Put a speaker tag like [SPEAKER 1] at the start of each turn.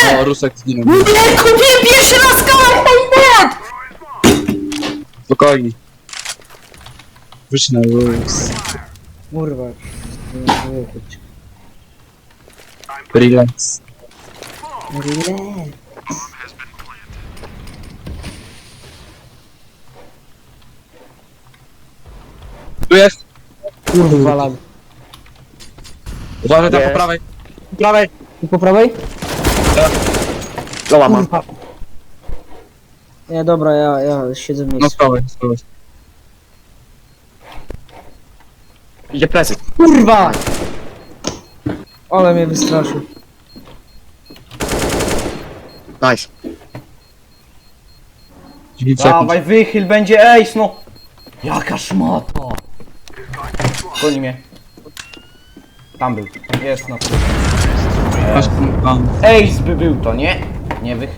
[SPEAKER 1] O, Rusek zginął.
[SPEAKER 2] Nie, kupiłem pierwszy raz skałę, hejnet!
[SPEAKER 1] Spokojnie. Wyjdź na Rus.
[SPEAKER 2] Kurwa.
[SPEAKER 1] Relax. Tu jest!
[SPEAKER 2] Kurwa, lag.
[SPEAKER 1] Uważaj tam po
[SPEAKER 3] Jest.
[SPEAKER 1] prawej. Po prawej!
[SPEAKER 2] I po prawej?
[SPEAKER 3] Loła mam.
[SPEAKER 2] Kurwa. Nie, dobra, ja siedzę w
[SPEAKER 1] No
[SPEAKER 2] miejscu.
[SPEAKER 1] skałę.
[SPEAKER 3] Idzie plecy.
[SPEAKER 2] Kurwa! Ale mnie wystraszył.
[SPEAKER 3] Nice.
[SPEAKER 1] 9 sekund.
[SPEAKER 4] Dawaj, wychyl, będzie ace, no! Jaka szmata! Goni mnie. Tam był. Jest na tym.
[SPEAKER 1] Masz tam.
[SPEAKER 4] Ace by był to, nie? Nie wychyl.